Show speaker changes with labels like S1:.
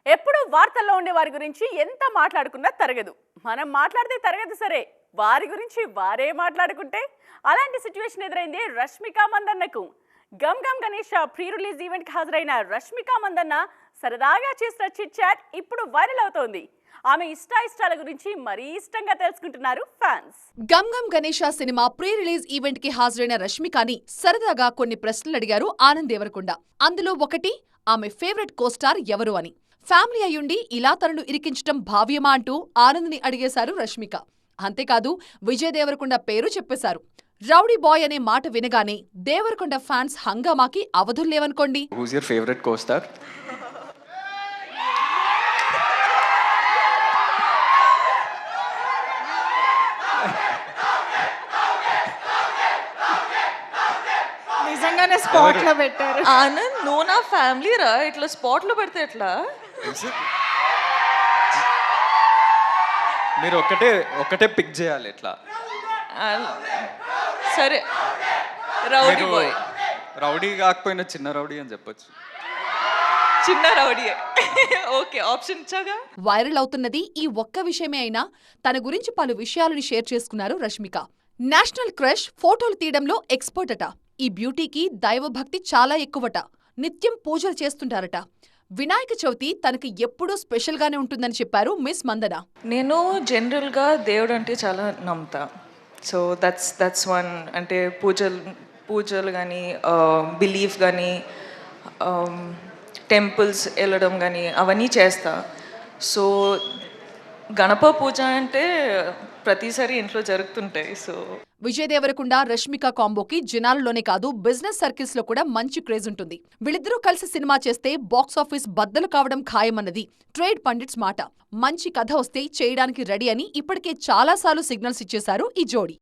S1: ఎప్పుడు వార్తల్లో ఉండే వారి గురించి ఎంత మాట్లాడుకున్నా తరగదు. మనం మాట్లాడితే తరగదు సరే, వారి గురించి వారే మాట్లాడుకుంటే అలాంటి సిచ్యువేషన్ ఎదురైంది రష్మిక మందన్నకు. Gam Gam Ganesh pre release event కి హాజరైన రష్మిక మందన్న సరదాగా చేసిన చిట్ చాట్ ఇప్పుడు వైరల్ అవుతోంది. ఆమె ఇష్టాల గురించి మరీ ఇష్టంగా తెలుసుకుంటున్నారు fans.
S2: Gam Gam Ganesh cinema pre release event కి హాజరైన రష్మికని సరదాగా కొన్ని ప్రశ్నలు అడిగారు ఆనంద్ దేవరకొండ. అందులో ఒకటి, ఆమె ఫేవరెట్ కోస్టార్ ఎవరు అని. ఫ్యామిలీ అయ్యుండి ఇలా తనను ఇరికించటం భావ్యమా అంటూ ఆనంద్ని అడిగేశారు రష్మిక. అంతేకాదు, విజయ్ దేవరకొండ పేరు చెప్పేశారు. రౌడీ బాయ్ అనే మాట వినగానే దేవరకొండ ఫ్యాన్స్ హంగామాకి అవధుల్లేవనుకోండి.
S3: Who's your favorite co-star?
S4: నిజంగానే స్పాట్ లో పెట్టారు.
S5: ఆనంద్, నువ్వు నా ఫ్యామిలీ రా, ఇట్లా స్పాట్ లో పెడితే ఎట్లా?
S3: మీరు ఒకటే పిక్ చేయాలి ఇట్లా.
S5: సరే, రౌడీ బాయ్.
S3: రౌడీ కాకపోయినా చిన్న రౌడీ అని చెప్పొచ్చు.
S5: చిన్న రౌడీ. ఓకే, ఆప్షన్ ఇచ్చాగా.
S2: వైరల్ అవుతున్నది ఈ ఒక్క విషయమే అయినా తన గురించి పలు విషయాలను షేర్ చేసుకున్నారు రష్మిక. నేషనల్ క్రష్ ఫోటోలు తీయడంలో ఎక్స్పర్ట్ అట. ఈ బ్యూటీకి దైవభక్తి చాలా ఎక్కువట. నిత్యం పూజలు చేస్తుంటారట. వినాయక చవితి తనకి ఎప్పుడూ స్పెషల్ గానే ఉంటుందని చెప్పారు మిస్ మందన.
S5: నేను జనరల్గా దేవుడు అంటే చాలా నమ్ముతా. So that's one. అంటే పూజలు కానీ, బిలీఫ్ కానీ, టెంపుల్స్ వెళ్ళడం కానీ అవన్నీ చేస్తా. సో గణప పూజ అంటే ప్రతిసారి ఇంట్లో జరుగుతుంటాయి. సో
S2: విజయ్ దేవరకొండ రష్మిక కాంబోకి జనాలలోనే కాదు, బిజినెస్ సర్కిల్స్ లో కూడా మంచి క్రేజ్ ఉంటుంది. వీళ్ళిద్దరూ కలిసి సినిమా చేస్తే బాక్సాఫీస్ బద్దలు కావడం ఖాయమన్నది ట్రేడ్ పండిట్స్ మాట. మంచి కథ వస్తే చేయడానికి రెడీ అని ఇప్పటికే చాలాసార్లు సిగ్నల్స్ ఇచ్చేశారు ఈ జోడీ.